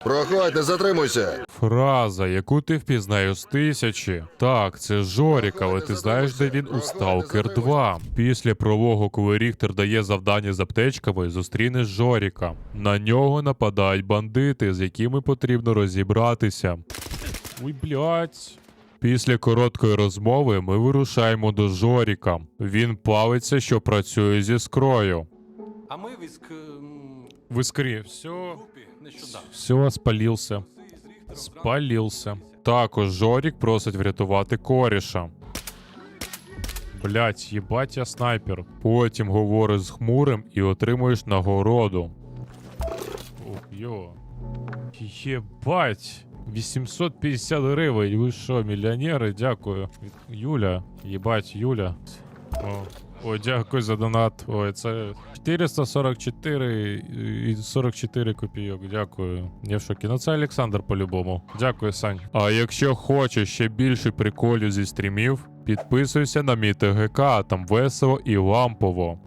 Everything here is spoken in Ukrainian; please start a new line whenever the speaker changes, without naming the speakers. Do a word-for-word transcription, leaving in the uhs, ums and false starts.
Проходь, не затримуйся.
Фраза, яку ти впізнаєш з тисячі. Так, це Жорік, але ти знаєш, де він у Сталкер два. Після прологу, коли Ріхтер дає завдання з аптечками, зустрінеш Жоріка. На нього нападають бандити, з якими потрібно розібратися. Ой, блядь. Після короткої розмови ми вирушаємо до Жоріка. Він палиться, що працює зі скрою.
А ми віск... м,
В іскрі. Все,
групі нещодавно.
все, спалився. Спалився. Також Жорік просить врятувати коріша. Блять, їбать я снайпер. Потім говориш з Хмурим і отримуєш нагороду. Ух, йо. Єбать. вісімсот п'ятдесят гривень. Ви що, мільйонери? Дякую. Юля. Єбать, Юля. О. Ой, дякую за донат. Ой, це чотириста сорок чотири і сорок чотири копійок. Дякую. Я в шокі. Ну це Олександр по-любому. Дякую, Сань. А якщо хочеш ще більше приколів зі стрімів, підписуйся на мій ТГК, там весело і лампово.